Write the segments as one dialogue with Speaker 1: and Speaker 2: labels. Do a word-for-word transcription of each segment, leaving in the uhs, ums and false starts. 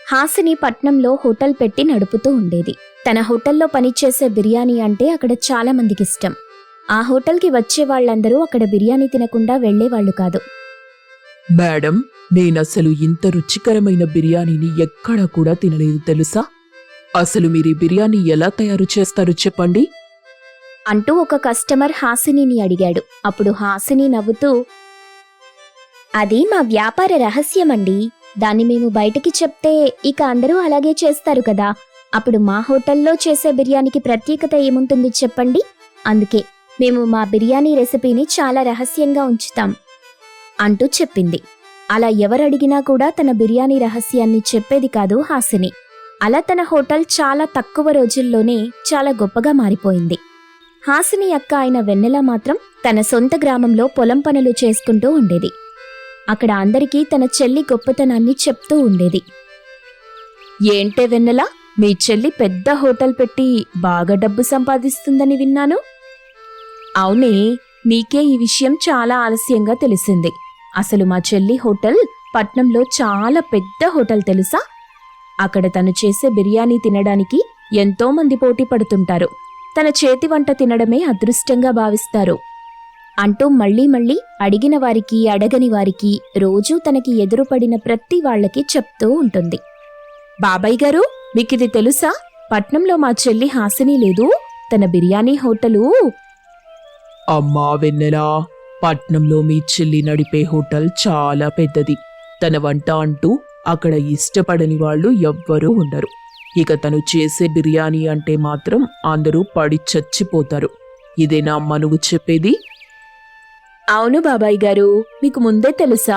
Speaker 1: హాసిని పట్నంలో హోటల్ పెట్టి నడుపుతూ ఉండేది. తన హోటల్లో పనిచేసే బిర్యానీ అంటే అక్కడ చాలా మందికి ఇష్టం. ఆ హోటల్కి వచ్చే వాళ్ళందరూ అక్కడ బిర్యానీ తినకుండా వెళ్లేవాళ్లు కాదు.
Speaker 2: మేడం, నేనసలు ఇంత రుచికరమైన బిర్యానీని ఎక్కడా కూడా తినలేదు తెలుసా? అసలు మీరు ఈ బిర్యానీ ఎలా తయారు చేస్తారో చెప్పండి
Speaker 1: అంటూ ఒక కస్టమర్ హాసినిని అడిగాడు. అప్పుడు హాసిని నవ్వుతూ, అది మా వ్యాపార రహస్యమండి. దాన్ని మేము బయటికి చెప్తే ఇక అందరూ అలాగే చేస్తారు కదా. అప్పుడు మా హోటల్లో చేసే బిర్యానీకి ప్రత్యేకత ఏముంటుంది చెప్పండి. అందుకే మేము మా బిర్యానీ రెసిపీని చాలా రహస్యంగా ఉంచుతాం అంటూ చెప్పింది. అలా ఎవరడిగినా కూడా తన బిర్యానీ రహస్యాన్ని చెప్పేది కాదు హాసిని. అలా తన హోటల్ చాలా తక్కువ రోజుల్లోనే చాలా గొప్పగా మారిపోయింది. హాసిని అక్క అయిన వెన్నెల మాత్రం తన సొంత గ్రామంలో పొలం పనులు చేసుకుంటూ ఉండేది. అక్కడ అందరికీ తన చెల్లి గొప్పతనాన్ని చెప్తూ ఉండేది. ఏంటే వెన్నెల, మీ చెల్లి పెద్ద హోటల్ పెట్టి బాగా డబ్బు సంపాదిస్తుందని విన్నాను. అవునే, నీకే ఈ విషయం చాలా ఆలస్యంగా తెలిసింది. అసలు మా చెల్లి హోటల్ పట్నంలో చాలా పెద్ద హోటల్ తెలుసా. అక్కడ తను చేసే బిర్యానీ తినడానికి ఎంతో మంది పోటీ పడుతుంటారు. తన చేతి వంట తినడమే అదృష్టంగా భావిస్తారు అంటూ మళ్లీ మళ్లీ అడిగిన వారికి అడగని వారికి రోజూ తనకి ఎదురుపడిన ప్రతి వాళ్లకి చెప్తూ ఉంటుంది. బాబాయ్ గారు, మీకిది తెలుసా? పట్నంలో మా చెల్లి హాసిని లేదు, తన బిర్యానీ హోటలు.
Speaker 2: అమ్మా వెన్నెలా, పట్నంలో మీ చెల్లి నడిపే హోటల్ చాలా పెద్దది. తన వంట అంటూ అక్కడ ఇష్టపడని వాళ్ళు ఎవ్వరూ ఉండరు. ఇక తను చేసే బిర్యానీ అంటే మాత్రం అందరూ పడి చచ్చిపోతారు. ఇదేనా అమ్మ నువ్వు చెప్పేది?
Speaker 1: అవును బాబాయ్ గారు, మీకు ముందే తెలుసా?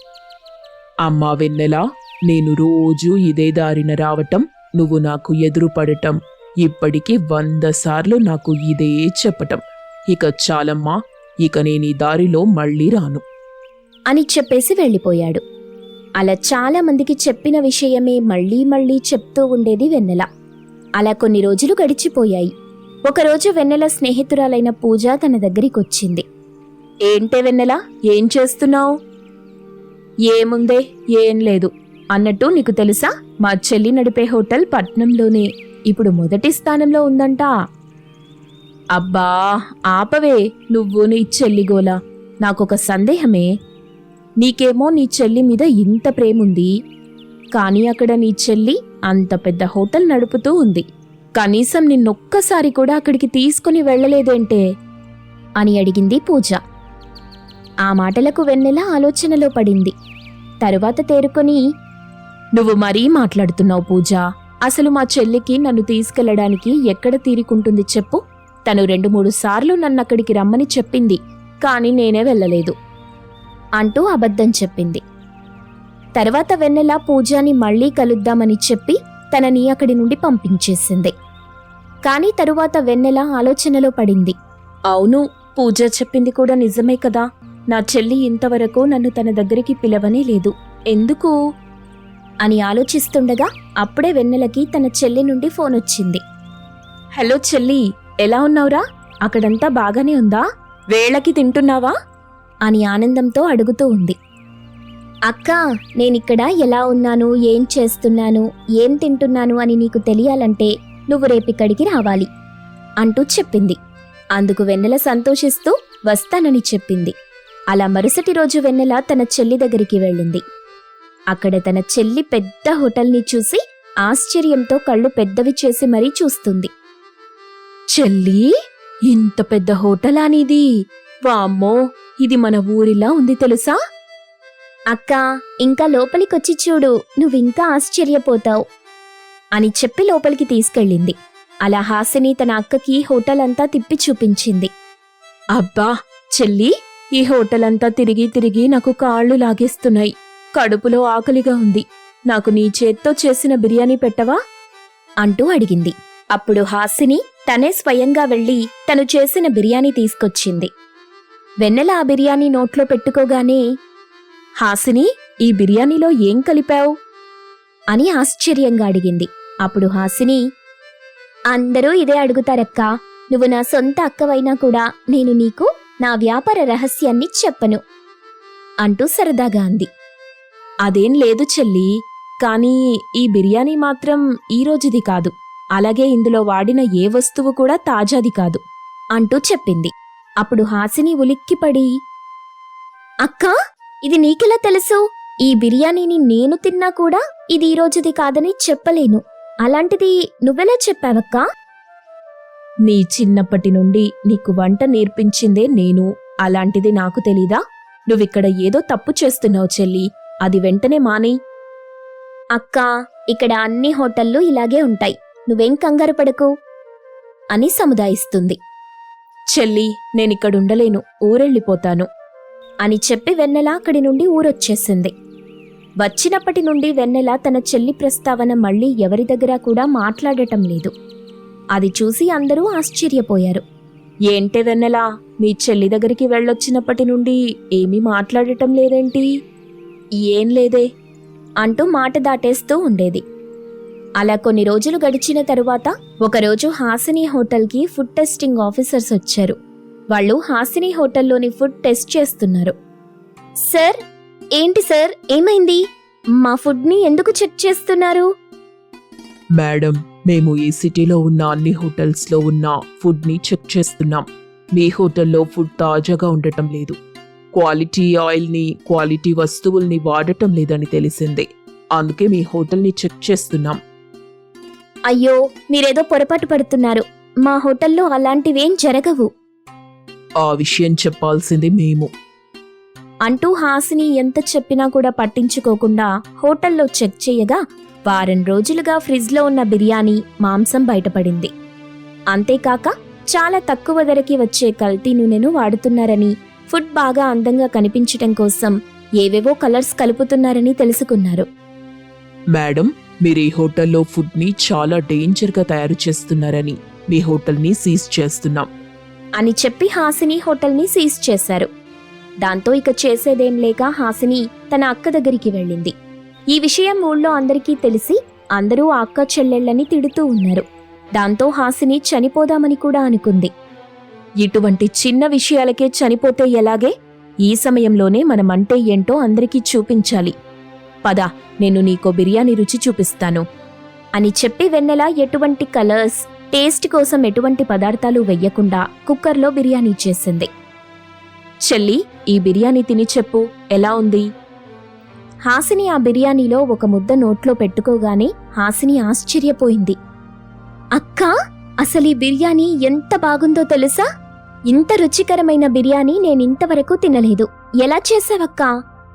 Speaker 2: అమ్మా వెన్నెలా, నేను రోజూ ఇదే దారిన రావటం, నువ్వు నాకు ఎదురుపడటం, ఇప్పటికీ వంద సార్లు నాకు ఇదే చెప్పటం. ఇక చాలమ్మా, ఇక నేను ఈ దారిలో మళ్ళీ రాను
Speaker 1: అని చెప్పేసి వెళ్ళిపోయాడు. అలా చాలా మందికి చెప్పిన విషయమే మళ్లీ మళ్లీ చెప్తూ ఉండేది వెన్నెల. అలా కొన్ని రోజులు గడిచిపోయాయి. ఒకరోజు వెన్నెల స్నేహితురాలైన పూజ తన దగ్గరికొచ్చింది. ఏంటే వెన్నెల, ఏం చేస్తున్నావు? ఏముందే, ఏం లేదు. అన్నట్టు నీకు తెలుసా, మా చెల్లి నడిపే హోటల్ పట్నంలోనే ఇప్పుడు మొదటి స్థానంలో ఉందంట. అబ్బా ఆపవే, నువ్వు నీ చెల్లిగోలా. నాకొక సందేహమే. నీకేమో నీ చెల్లి మీద ఇంత ప్రేముంది, కానీ అక్కడ నీ చెల్లి అంత పెద్ద హోటల్ నడుపుతూ ఉంది. కనీసం నిన్నొక్కసారి కూడా అక్కడికి తీసుకుని వెళ్లలేదేంటే అని అడిగింది పూజ. ఆ మాటలకు వెన్నెల ఆలోచనలో పడింది. తరువాత తేరుకొని, నువ్వు మరీ మాట్లాడుతున్నావు పూజ. అసలు మా చెల్లికి నన్ను తీసుకెళ్లడానికి ఎక్కడ తీరికుంటుంది చెప్పు. తను రెండు మూడు సార్లు నన్నక్కడికి రమ్మని చెప్పింది, కాని నేనే వెళ్ళలేదు అంటూ అబద్ధం చెప్పింది. తర్వాత వెన్నెల పూజాని మళ్లీ కలుద్దామని చెప్పి తనని అక్కడి నుండి పంపించేసింది. కాని తరువాత వెన్నెల ఆలోచనలో పడింది. అవును, పూజ చెప్పింది కూడా నిజమే కదా. నా చెల్లి ఇంతవరకు నన్ను తన దగ్గరికి పిలవనే లేదు, ఎందుకు అని ఆలోచిస్తుండగా అప్పుడే వెన్నెలకి తన చెల్లి నుండి ఫోన్ వచ్చింది. హలో చెల్లి, ఎలా ఉన్నావురా? అక్కడంతా బాగానే ఉందా? వేళకి తింటున్నావా అని ఆనందంతో అడుగుతూ ఉంది. అక్క, నేనిక్కడ ఎలా ఉన్నాను, ఏం చేస్తున్నాను, ఏం తింటున్నాను అని నీకు తెలియాలంటే నువ్వు రేపిక్కడికి రావాలి అంటూ చెప్పింది. అందుకు వెన్నెల సంతోషిస్తూ వస్తానని చెప్పింది. అలా మరుసటి రోజు వెన్నెల తన చెల్లి దగ్గరికి వెళ్ళింది. అక్కడ తన చెల్లి పెద్ద హోటల్ని చూసి ఆశ్చర్యంతో కళ్ళు పెద్దవి చేసి మరీ చూస్తుంది. చెల్లి, ఇంత పెద్ద హోటలా నీది? వామ్మో, ఇది మన ఊరిలా ఉంది తెలుసా? అక్క, ఇంకా లోపలికొచ్చి చూడు, నువ్వింకా ఆశ్చర్యపోతావు అని చెప్పి లోపలికి తీసుకెళ్ళింది. అలా హాసిని తన అక్కకి హోటల్ అంతా తిప్పి చూపించింది. అబ్బా చెల్లి, ఈ హోటల్ అంతా తిరిగి తిరిగి నాకు కాళ్ళు లాగేస్తున్నాయి. కడుపులో ఆకలిగా ఉంది. నాకు నీ చేత్తో చేసిన బిర్యానీ పెట్టవా అంటూ అడిగింది. అప్పుడు హాసిని తనే స్వయంగా వెళ్లి తను చేసిన బిర్యానీ తీసుకొచ్చింది. వెన్నెల ఆ బిర్యానీ నోట్లో పెట్టుకోగానే, హాసిని, ఈ బిర్యానీలో ఏం కలిపావు అని ఆశ్చర్యంగా అడిగింది. అప్పుడు హాసిని, అందరూ ఇదే అడుగుతారక్కా. నువ్వు నా సొంత అక్కవైనా కూడా నేను నీకు నా వ్యాపార రహస్యాన్ని చెప్పను అంటూ సరదాగా అంది. అదేం లేదు చెల్లి, కానీ ఈ బిర్యానీ మాత్రం ఈ రోజుది కాదు, అలాగే ఇందులో వాడిన ఏ వస్తువు కూడా తాజాది కాదు అంటూ చెప్పింది. అప్పుడు హాసిని ఉలిక్కిపడి, అక్కా, ఇది నీకెలా తెలుసు? ఈ బిర్యానీని నేను తిన్నా కూడా ఇది ఈ రోజుది కాదని చెప్పలేను. అలాంటిది నువ్వెలా చెప్పావక్కా? నీ చిన్నప్పటి నుండి నీకు వంట నేర్పించిందే నేను, అలాంటిది నాకు తెలీదా? నువ్విక్కడ ఏదో తప్పు చేస్తున్నావు చెల్లి, అది వెంటనే మానేయ్. అక్కా, ఇక్కడ అన్ని హోటళ్ళు ఇలాగే ఉంటాయి, నువ్వేం కంగారు పడకు అని సముదాయిస్తుంది. చెల్లి, నేనిక్కడుండలేను, ఊరెళ్ళిపోతాను అని చెప్పి వెన్నెల అక్కడి నుండి ఊరొచ్చేసింది. వచ్చినప్పటి నుండి వెన్నెల తన చెల్లి ప్రస్తావన మళ్ళీ ఎవరి దగ్గర కూడా మాట్లాడటం లేదు. అది చూసి అందరూ ఆశ్చర్యపోయారు. ఏంటే వెన్నెల, మీ చెల్లి దగ్గరికి వెళ్ళొచ్చినప్పటి నుండి ఏమీ మాట్లాడటం లేదేంటి? ఏం లేదే అంటూ మాట దాటేస్తూ ఉండేది. అలా కొన్ని రోజులు గడిచిన తరువాత ఒకరోజు హాసిని హోటల్కి ఫుడ్ టెస్టింగ్ ఆఫీసర్స్ వచ్చారు. వాళ్ళు హాసిని హోటల్లోని ఫుడ్ టెస్ట్ చేస్తున్నారు. సార్, ఏంటి సార్, ఏమైంది? మా ఫుడ్ని ఎందుకు చెక్ చేస్తున్నారు?
Speaker 2: మేడం, మేము ఈ సిటీలో ఉన్న అన్ని హోటల్స్లో ఉన్న ఫుడ్ని చెక్ చేస్తున్నాం. మీ హోటల్లో ఫుడ్ తాజాగా ఉండటం లేదు, క్వాలిటీ ఆయిల్ని, క్వాలిటీ వస్తువుల్ని వాడటం లేదని తెలిసింది. అందుకే మీ హోటల్ని చెక్ చేస్తున్నాం.
Speaker 1: అయ్యో, మీరేదో పొరపాటు పడుతున్నారు. మా హోటల్లో అలాంటివేం జరగవు
Speaker 2: ఆ విషయం చెప్పాల్సింది మేము
Speaker 1: అంటూ హాసిని ఎంత చెప్పినా కూడా పట్టించుకోకుండా హోటల్లో చెక్ చేయగా వారం రోజులుగా ఫ్రిడ్జ్లో ఉన్న బిర్యానీ మాంసం బయటపడింది. అంతేకాక చాలా తక్కువ ధరకి వచ్చే కల్తీ నూనెను వాడుతున్నారని, ఫుడ్ బాగా అందంగా కనిపించటం కోసం ఏవేవో కలర్స్ కలుపుతున్నారని తెలుసుకున్నారు.
Speaker 2: మేడం, మీరు ఈ హోటల్లో ఫుడ్ని చాలా డేంజర్గా తయారు చేస్తున్నారని మీ హోటల్ని సీజ్ చేస్తున్నాం
Speaker 1: అని చెప్పి హాసిని హోటల్ని సీజ్ చేశారు. దాంతో ఇక చేసేదేం లేక హాసిని తన అక్క దగ్గరికి వెళ్ళింది. ఈ విషయం ఊళ్ళో అందరికీ తెలిసి అందరూ ఆ అక్క చెల్లెళ్ళని తిడుతూ ఉన్నారు. దాంతో హాసిని చనిపోదామని కూడా అనుకుంది. ఇటువంటి చిన్న విషయాలకే చనిపోతే ఎలాగే? ఈ సమయంలోనే మనమంటే ఏంటో అందరికీ చూపించాలి. పద, నేను నీకో బిర్యానీ రుచి చూపిస్తాను అని చెప్పి వెన్నెల ఎటువంటి కలర్స్, టేస్ట్ కోసం ఎటువంటి పదార్థాలు వెయ్యకుండా కుక్కర్లో బిర్యానీ చేసింది. చెల్లి, ఈ బిర్యానీ తిని చెప్పు, ఎలా ఉంది? హాసిని ఆ బిర్యానీలో ఒక ముద్ద నోట్లో పెట్టుకోగానే హాసిని ఆశ్చర్యపోయింది. అక్కా, అసలు ఈ బిర్యానీ ఎంత బాగుందో తెలుసా? ఇంత రుచికరమైన బిర్యానీ నేనింతవరకు తినలేదు. ఎలా చేసావక్కా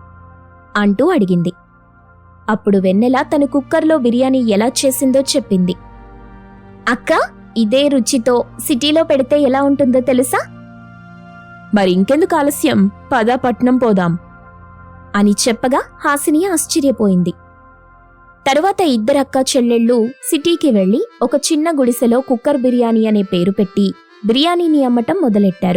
Speaker 1: అంటూ అడిగింది. అప్పుడు వెన్నెల తను కుక్కర్లో బిర్యానీ ఎలా చేసిందో చెప్పింది. అక్కా, ఇదే రుచితో సిటీలో పెడితే ఎలా ఉంటుందో తెలుసా? మరింకెందుకు ఆలస్యం, పద పట్నం పోదాం అని చెప్పగా హాసిని ఆశ్చర్యపోయింది. తరువాత ఇద్దరక్క చెల్లెళ్ళు సిటీకి వెళ్లి ఒక చిన్న గుడిసెలో కుక్కర్ బిర్యానీ అనే పేరు పెట్టి బిర్యానీని అమ్మటం మొదలెట్టారు.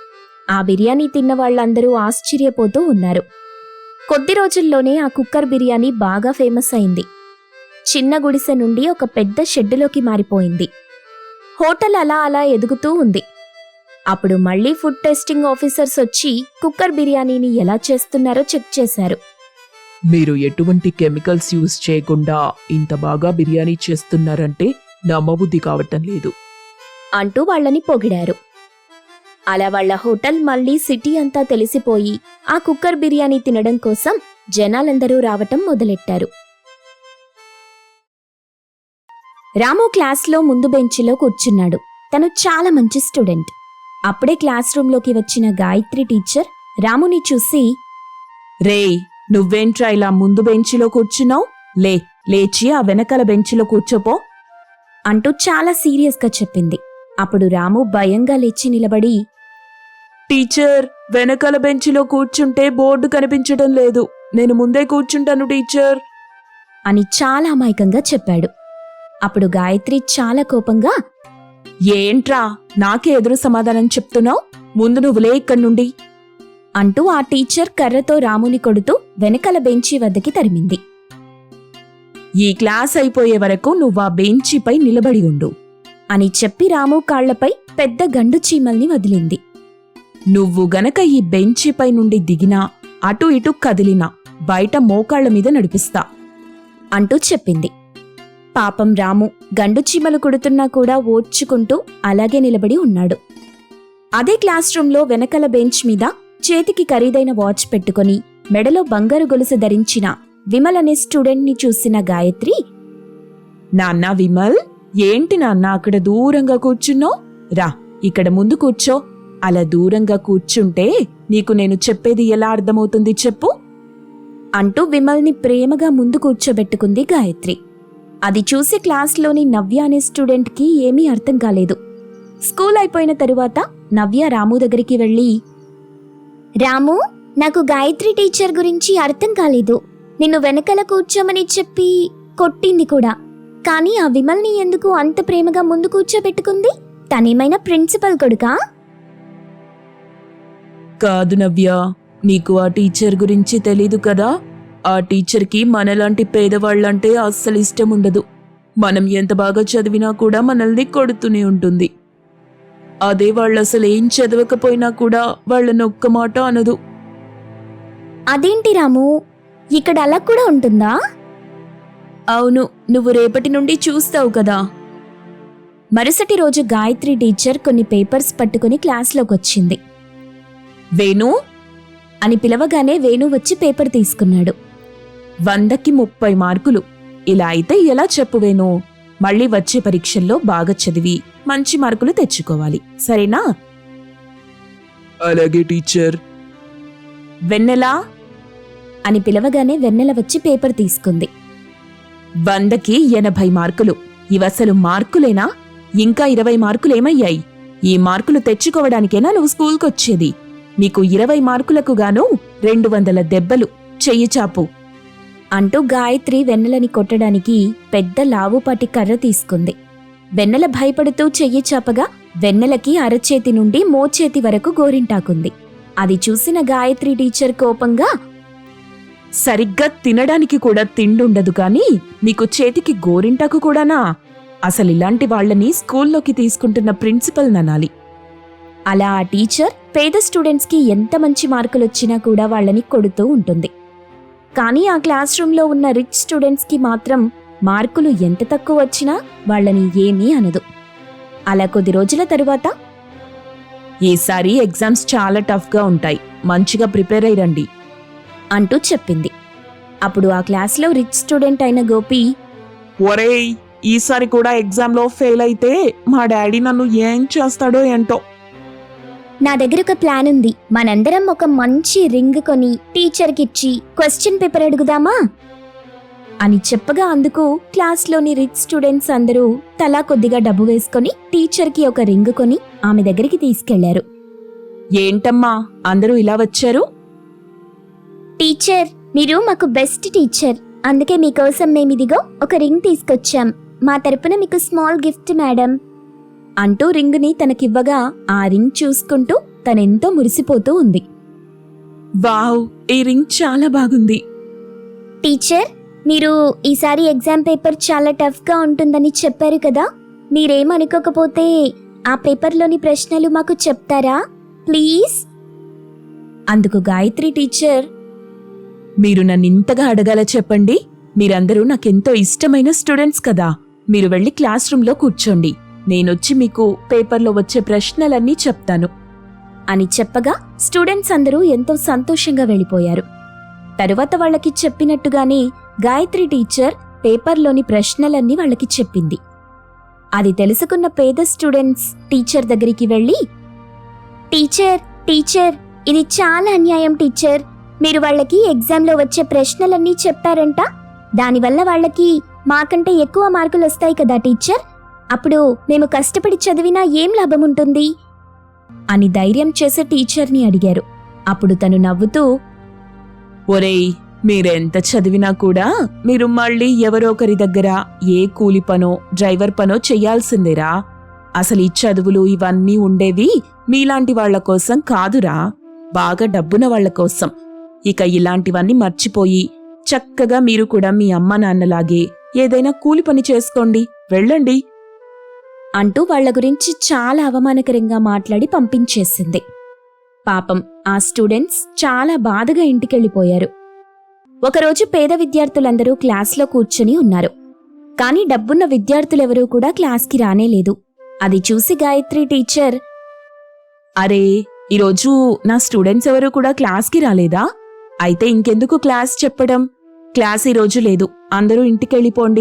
Speaker 1: ఆ బిర్యానీ తిన్న వాళ్లందరూ ఆశ్చర్యపోతూ ఉన్నారు. కొద్ది రోజుల్లోనే ఆ కుక్కర్ బిర్యానీ బాగా ఫేమస్ అయింది. చిన్న గుడిసె నుండి ఒక పెద్ద షెడ్డులోకి మారిపోయింది. హోటల్ అలా అలా ఎదుగుతూ ఉంది. అప్పుడు మళ్లీ ఫుడ్ టెస్టింగ్ ఆఫీసర్స్ వచ్చి కుక్కర్ బిర్యానీని ఎలా చేస్తున్నారో చెక్ చేశారు.
Speaker 2: మీరు ఎటువంటి కెమికల్స్ యూజ్ చేయకుండా ఇంత బాగా బిర్యానీ చేస్తున్నారంటే నమ్మబుద్ధి కావటం లేదు
Speaker 1: అంటూ వాళ్ళని పొగిడారు. అలా వాళ్ల హోటల్ మళ్లీ సిటీ అంతా తెలిసిపోయి ఆ కుక్కర్ బిర్యానీ తినడం కోసం జనాలందరూ రావటం మొదలెట్టారు. రాము క్లాస్లో ముందు బెంచిలో కూర్చున్నాడు. తను చాలా మంచి స్టూడెంట్. అప్పుడే క్లాస్ రూంలోకి వచ్చిన గాయత్రి టీచర్ రాముని చూసి,
Speaker 2: రేయ్, నువ్వేంట్రా ఇలా ముందు బెంచిలో కూర్చున్నావు? లే లేచి ఆ వెనకాల బెంచిలో కూర్చోపో
Speaker 1: అంటూ చాలా సీరియస్గా చెప్పింది. అప్పుడు రాము భయంగా లేచి నిలబడి,
Speaker 2: టీచర్, వెనకాల బెంచిలో కూర్చుంటే బోర్డు కనిపించడం లేదు, నేను ముందే కూర్చుంటాను టీచర్
Speaker 1: అని చాలా అమాయకంగా చెప్పాడు. అప్పుడు గాయత్రి చాలా కోపంగా,
Speaker 2: ఏంట్రా నాకే ఎదురు సమాధానం చెప్తున్నావు? ముందు నువ్వులే ఇక్కడి నుండి
Speaker 1: అంటూ ఆ టీచర్ కర్రతో రాముని కొడుతూ వెనకాల బెంచి వద్దకి తరిమింది.
Speaker 2: ఈ క్లాస్ అయిపోయే వరకు నువ్వు ఆ బెంచిపై నిలబడి ఉండు
Speaker 1: అని చెప్పి రాము కాళ్లపై పెద్ద గండు చీమల్ని వదిలింది.
Speaker 2: నువ్వు గనక ఈ బెంచిపై నుండి దిగినా, అటు ఇటు కదిలినా బయట మోకాళ్ల మీద నడిపిస్తా
Speaker 1: అంటూ చెప్పింది. పాపం రాము గండు చీమలు కుడుతున్నా కూడా ఓర్చుకుంటూ అలాగే నిలబడి ఉన్నాడు. అదే క్లాస్ రూంలో వెనకల బెంచ్ మీద చేతికి ఖరీదైన వాచ్ పెట్టుకుని మెడలో బంగారు గొలుసు ధరించిన విమల్ అనే స్టూడెంట్ని చూసిన గాయత్రి,
Speaker 2: నాన్న విమల్, ఏంటి నాన్న అక్కడ దూరంగా కూర్చున్నో? రా, ఇక్కడ ముందు కూర్చో. అలా దూరంగా కూర్చుంటే నీకు నేను చెప్పేది ఎలా అర్థమవుతుంది చెప్పు
Speaker 1: అంటూ విమల్ని ప్రేమగా ముందు కూర్చోబెట్టుకుంది గాయత్రి. అది చూసి క్లాస్లోని నవ్య అనే స్టూడెంట్కి ఏమీ అర్థం కాలేదు. స్కూల్ అయిపోయిన తరువాత నవ్య రాము దగ్గరికి వెళ్ళి, రాము, నాకు గాయత్రి టీచర్ గురించి అర్థం కాలేదు. నిన్ను వెనకల కూర్చోమని చెప్పి కొట్టింది కూడా. కానీ ఆ విమల్ని ఎందుకు అంత ప్రేమగా ముందు కూర్చోబెట్టుకుంది? తనేమైనా ప్రిన్సిపల్ కొడుకా?
Speaker 2: కాదు నవ్య, నీకు ఆ టీచర్ గురించి తెలీదు కదా. ఆ టీచర్కి మనలాంటి పేదవాళ్లంటే అస్సలు ఇష్టం ఉండదు. మనం ఎంత బాగా చదివినా కూడా మనల్ని కొడుతూనే ఉంటుంది. అదే వాళ్ళు అసలు ఏం చదవకపోయినా కూడా వాళ్ళని ఒక్క మాట అనదు.
Speaker 1: అదేంటి రాము, ఇక్కడ అలా కూడా ఉంటుందా?
Speaker 2: అవును, నువ్వు రేపటి నుండి చూస్తావు కదా.
Speaker 1: మరుసటి రోజు గాయత్రి టీచర్ కొన్ని పేపర్స్ పట్టుకుని క్లాస్లోకి వచ్చింది.
Speaker 2: వేణు
Speaker 1: అని పిలవగానే వేణు వచ్చి పేపర్ తీసుకున్నాడు.
Speaker 2: వందకి ముప్పై మార్కులు. ఇలా అయితే ఎలా చెప్పు వేణు? మళ్ళీ వచ్చే పరీక్షల్లో బాగా చదివి మంచి మార్కులు తెచ్చుకోవాలి, సరేనా? అలాగే టీచర్.
Speaker 1: వెన్నెలా అని పిలవగానే వెన్నెల వచ్చి పేపర్ తీసుకుంది.
Speaker 2: వందకి ఎనభై మార్కులు. ఇవసలు మార్కులేనా? ఇంకా ఇరవై మార్కులేమయ్యాయి? ఈ మార్కులు తెచ్చుకోవడానికేనా నువ్వు స్కూల్కొచ్చేది? నీకు ఇరవై మార్కులకు గాను రెండు వందల దెబ్బలు. చెయ్యి చాపు
Speaker 1: అంటూ గాయత్రి వెన్నెలని కొట్టడానికి పెద్ద లావుపాటి కర్ర తీసుకుంది. వెన్నెల భయపడుతూ చెయ్యి చాపగా వెన్నెలకి అరచేతి నుండి మోచేతి వరకు గోరింటాకుంది. అది చూసిన గాయత్రి టీచర్ కోపంగా,
Speaker 2: సరిగ్గా తినడానికి కూడా తిండుండదు కాని నీకు చేతికి గోరింటాకు కూడానా? అసలిలాంటి వాళ్లని స్కూల్లోకి తీసుకుంటున్న ప్రిన్సిపల్ ననాలి.
Speaker 1: అలా ఆ టీచర్ పేద స్టూడెంట్స్కి ఎంత మంచి మార్కులొచ్చినా కూడా వాళ్ళని కొడుతూ ఉంటుంది. కానీ ఆ క్లాస్ రూంలో ఉన్న రిచ్ స్టూడెంట్స్కి మాత్రం మార్కులు ఎంత తక్కువ వచ్చినా వాళ్ళని ఏమీ అనదు. అలా కొద్ది రోజుల తరువాత,
Speaker 2: ఈసారి ఎగ్జామ్స్ చాలా టఫ్గా ఉంటాయి, మంచిగా ప్రిపేర్ అయ్యి రండి
Speaker 1: అంటూ చెప్పింది. అప్పుడు ఆ క్లాస్లో రిచ్ స్టూడెంట్ అయిన గోపి,
Speaker 2: ఒరేయ్, ఈసారి కూడా ఎగ్జామ్లో ఫెయిల్ అయితే మా డాడీ నన్ను ఏం చేస్తాడో ఏంటో.
Speaker 1: నా దగ్గర ఒక ప్లాన్ ఉంది. మనందరం ఒక మంచి రింగ్ కొని టీచర్కిచ్చి క్వశ్చన్ పేపర్ అడుగుదామా అని చెప్పగా అందుకు క్లాస్లోని రిచ్ స్టూడెంట్స్ అందరూ తలా కొద్దిగా డబ్బు వేసుకొని టీచర్కి ఒక రింగ్ కొని ఆమె దగ్గరికి తీసుకెళ్లారు.
Speaker 2: ఏంటమ్మా అందరూ ఇలా వచ్చారు?
Speaker 1: టీచర్, మీరు మాకు బెస్ట్ టీచర్, అందుకే మీకోసం మేమిదిగో ఒక రింగ్ తీసుకొచ్చాం. మా తరపున మీకు స్మాల్ గిఫ్ట్ మేడం అంటూ రింగుని తనకివ్వగా ఆ రింగ్ చూసుకుంటూ తనెంతో మురిసిపోతూ ఉంది.
Speaker 2: వావ్, ఈ రింగ్ చాలా బాగుంది.
Speaker 1: టీచర్, మీరు ఈసారి ఎగ్జామ్ పేపర్ చాలా టఫ్గా ఉంటుందని చెప్పారు కదా. మీరేమనుకోకపోతే ఆ పేపర్లోని ప్రశ్నలు మాకు చెప్తారా ప్లీజ్? అందుకు గాయత్రి టీచర్,
Speaker 2: మీరు నన్నింతగా అడగాల చెప్పండి. మీరందరూ నాకెంతో ఇష్టమైన స్టూడెంట్స్ కదా. మీరు వెళ్ళి క్లాస్ రూంలో కూర్చోండి, నేనొచ్చి మీకు పేపర్లో వచ్చే ప్రశ్నలన్నీ చెప్తాను
Speaker 1: అని చెప్పగా స్టూడెంట్స్ అందరూ ఎంతో సంతోషంగా వెళ్ళిపోయారు. తరువాత వాళ్ళకి చెప్పినట్టుగానే గాయత్రి టీచర్ పేపర్లోని ప్రశ్నలన్నీ వాళ్ళకి చెప్పింది. అది తెలుసుకున్న పేద స్టూడెంట్స్ టీచర్ దగ్గరికి వెళ్ళి, టీచర్ టీచర్ ఇది చాలా అన్యాయం టీచర్. మీరు వాళ్ళకి ఎగ్జామ్లో వచ్చే ప్రశ్నలన్నీ చెప్పారంట. దానివల్ల వాళ్ళకి మాకంటే ఎక్కువ మార్కులు వస్తాయి కదా టీచర్. అప్పుడు మేము కష్టపడి చదివినా ఏం లాభం ఉంటుంది అని ధైర్యం చేసే టీచర్ని అడిగారు. అప్పుడు తను నవ్వుతూ,
Speaker 2: ఒరేయ్, మీరెంత చదివినా కూడా మీరు మళ్ళీ ఎవరో ఒకరి దగ్గర ఏ కూలి పనో డ్రైవర్ పనో చెయ్యాల్సిందేరా. అసలు ఈ చదువులు ఇవన్నీ ఉండేవి మీలాంటి వాళ్ల కోసం కాదురా, బాగా డబ్బున వాళ్ల కోసం. ఇక ఇలాంటివన్నీ మర్చిపోయి చక్కగా మీరు కూడా మీ అమ్మ నాన్నలాగే ఏదైనా కూలి పని చేసుకోండి, వెళ్ళండి అంటూ వాళ్ల గురించి చాలా అవమానకరంగా మాట్లాడి పంపించేసింది. పాపం ఆ స్టూడెంట్స్ చాలా బాధగా ఇంటికెళ్ళిపోయారు.
Speaker 1: ఒకరోజు పేద విద్యార్థులందరూ క్లాస్లో కూర్చుని ఉన్నారు. కాని డబ్బున్న విద్యార్థులెవరూ కూడా క్లాస్కి రానేలేదు. అది చూసి గాయత్రి టీచర్,
Speaker 2: అరే, ఈరోజు నా స్టూడెంట్స్ ఎవరు కూడా క్లాస్కి రాలేదా? అయితే ఇంకెందుకు క్లాస్ చెప్పడం? క్లాస్ ఈరోజు లేదు, అందరూ ఇంటికెళ్ళిపోండి.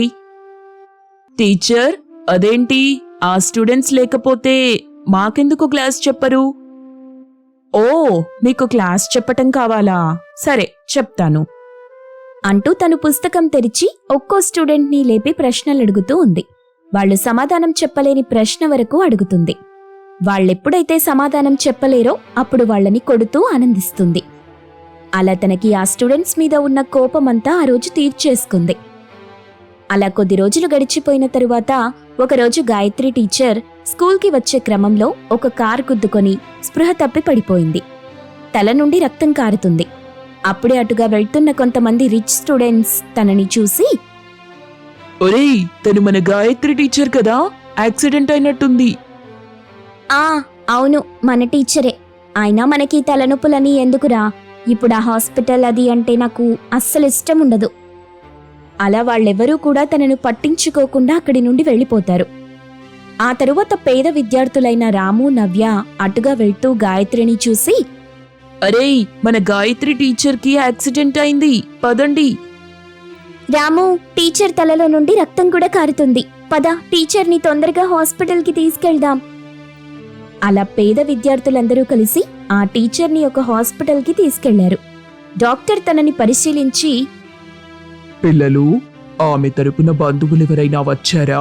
Speaker 2: టీచర్, అదేంటి, ఆ స్టూడెంట్స్ లేకపోతే మాకెందుకు క్లాస్ చెప్పరు? ఓ, మీకు క్లాస్ చెప్పటం కావాలా? సరే, చెప్తాను
Speaker 1: అంటూ తను పుస్తకం తెరిచి ఒక్కో స్టూడెంట్ని లేపి ప్రశ్నలడుగుతూ ఉంది. వాళ్లు సమాధానం చెప్పలేని ప్రశ్న వరకు అడుగుతుంది. వాళ్ళెప్పుడైతే సమాధానం చెప్పలేరో అప్పుడు వాళ్ళని కొడుతూ ఆనందిస్తుంది. అలా తనకి ఆ స్టూడెంట్స్ మీద ఉన్న కోపమంతా ఆ రోజు తీర్చేసుకుంది. అలా కొద్ది రోజులు గడిచిపోయిన తరువాత ఒకరోజు గాయత్రి టీచర్ స్కూల్కి వచ్చే క్రమంలో ఒక కారు గుద్దుకొని స్పృహ తప్పి పడిపోయింది. తల నుండి రక్తం కారుతుంది. అప్పుడే అటుగా వెళ్తున్న కొంతమంది రిచ్ స్టూడెంట్స్ తనని చూసి,
Speaker 2: ఒరేయ్, తను మన గాయత్రి టీచర్ కదా, యాక్సిడెంట్ అయినట్టుంది.
Speaker 1: ఆ అవును, మన టీచరే. అయినా మనకి తలనొప్పులని ఎందుకురా? ఇప్పుడు ఆ హాస్పిటల్ అది అంటే నాకు అస్సలు ఇష్టం ఉండదు. అలా వాళ్ళెవరూ కూడా తనను పట్టించుకోకుండా అక్కడి నుండి వెళ్ళిపోతారు. ఆ తరువాత పేద విద్యార్థులైన రాము, నవ్య అటుగా వెళ్తూ గాయత్రిని చూసి,
Speaker 2: అరేయ్, మన గాయత్రి టీచర్కి యాక్సిడెంట్ అయింది, పదండి.
Speaker 1: రాము, టీచర్ తలలో నుండి రక్తం కూడా కారుతుంది, పద టీచర్ని తొందరగా హాస్పిటల్కి తీసుకెళ్దాం. అలా పేద విద్యార్థులందరూ కలిసి ఆ టీచర్ని ఒక హాస్పిటల్కి తీసుకెళ్లారు. డాక్టర్ తనని పరిశీలించి,
Speaker 2: పిల్లలు, ఆమె తరపున బంధువులెవరైనా వచ్చారా?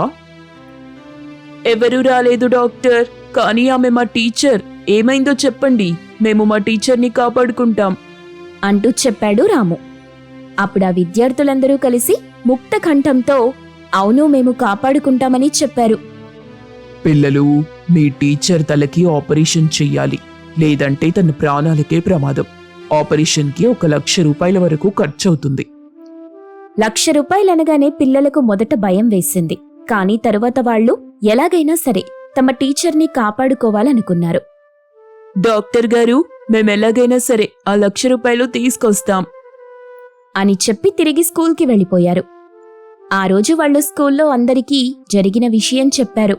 Speaker 2: ఎవరూ రాలేదు డాక్టర్, కానీ ఆమె మా టీచర్. ఏమైందో చెప్పండి, మేము మా టీచర్ని కాపాడుకుంటాం
Speaker 1: అంటూ చెప్పాడు రాము. అప్పుడు ఆ విద్యార్థులందరూ కలిసి ముక్త కంఠంతో, అవును, మేము కాపాడుకుంటామని చెప్పారు.
Speaker 2: పిల్లలు, మీ టీచర్ తలకి ఆపరేషన్ చెయ్యాలి, లేదంటే తన ప్రాణాలకే ప్రమాదం. ఆపరేషన్కి ఒక లక్ష రూపాయల వరకు ఖర్చవుతుంది.
Speaker 1: లక్ష రూపాయలనగానే పిల్లలకు మొదట భయం వేసింది. కానీ తరువాత వాళ్లు ఎలాగైనా సరే తమ టీచర్ని కాపాడుకోవాలనుకున్నారు.
Speaker 2: డాక్టర్ గారు, మేమెలాగైనా సరే ఆ లక్ష రూపాయలు తీసుకొస్తాం
Speaker 1: అని చెప్పి తిరిగి స్కూల్కి వెళ్ళిపోయారు. ఆ రోజు వాళ్లు స్కూల్లో అందరికీ జరిగిన విషయం చెప్పారు.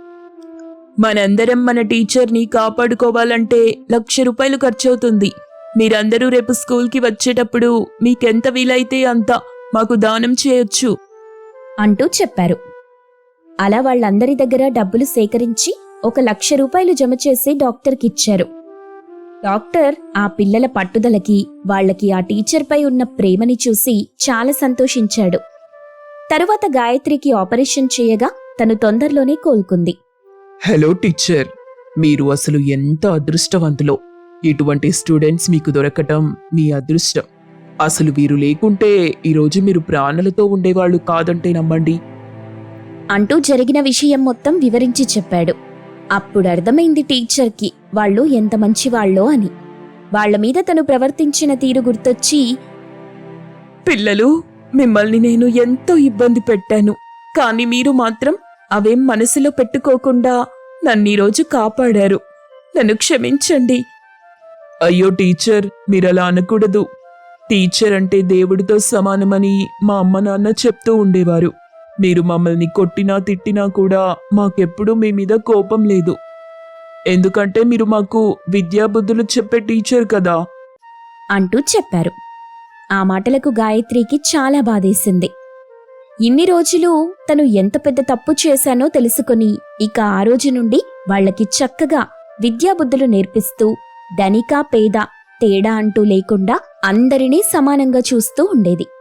Speaker 2: మనందరం మన టీచర్ని కాపాడుకోవాలంటే లక్ష రూపాయలు ఖర్చవుతుంది. మీరందరూ రేపు స్కూల్కి వచ్చేటప్పుడు మీకెంత వీలైతే అంత మాకు దానం చేయొచ్చు
Speaker 1: అంటూ చెప్పారు. అలా వాళ్ళందరి దగ్గర డబ్బులు సేకరించి ఒక లక్ష రూపాయలు జమ చేసి డాక్టర్కిచ్చారు. డాక్టర్ ఆ పిల్లల పట్టుదలకి, వాళ్లకి ఆ టీచర్పై ఉన్న ప్రేమని చూసి చాలా సంతోషించాడు. తరువాత గాయత్రికి ఆపరేషన్ చేయగా తను తొందరలోనే కోలుకుంది.
Speaker 2: హలో టీచర్, మీరు అసలు ఎంత అదృష్టవంతులో. ఇటువంటి స్టూడెంట్స్ మీకు దొరకటం మీ అదృష్టం. అసలు వీరు లేకుంటే ఈరోజు మీరు ప్రాణాలతో ఉండేవాళ్ళు కాదంటే నమ్మండి
Speaker 1: అంటూ జరిగిన విషయం మొత్తం వివరించి చెప్పాడు. అప్పుడు అర్థమైంది టీచర్కి వాళ్ళు ఎంత మంచివాళ్ళో అని. వాళ్ల మీద తను ప్రవర్తించిన తీరు గుర్తొచ్చి,
Speaker 2: పిల్లలు, మిమ్మల్ని నేను ఎంతో ఇబ్బంది పెట్టాను, కానీ మీరు మాత్రం అవేం మనసులో పెట్టుకోకుండా నన్నీరోజు కాపాడారు. నన్ను క్షమించండి. అయ్యో టీచర్, మీరలా అనకూడదు. టీచర్ అంటే దేవుడితో సమానమని మా అమ్మ నాన్న చెప్తూ ఉండేవారు. మీరు మమ్మల్ని కొట్టినా తిట్టినా కూడా మాకెప్పుడూ మీ మీద కోపం లేదు. ఎందుకంటే మీరు మాకు విద్యాబుద్ధులు చెప్పే టీచర్ కదా
Speaker 1: అంటూ చెప్పారు. ఆ మాటలకు గాయత్రికి చాలా బాధేసింది. ఇన్ని రోజులు తను ఎంత పెద్ద తప్పు చేశానో తెలుసుకుని ఇక ఆ రోజు నుండి వాళ్లకి చక్కగా విద్యాబుద్ధులు నేర్పిస్తూ ధనిక పేద తేడా అంటూ లేకుండా అందరినీ సమానంగా చూస్తూ ఉండేది.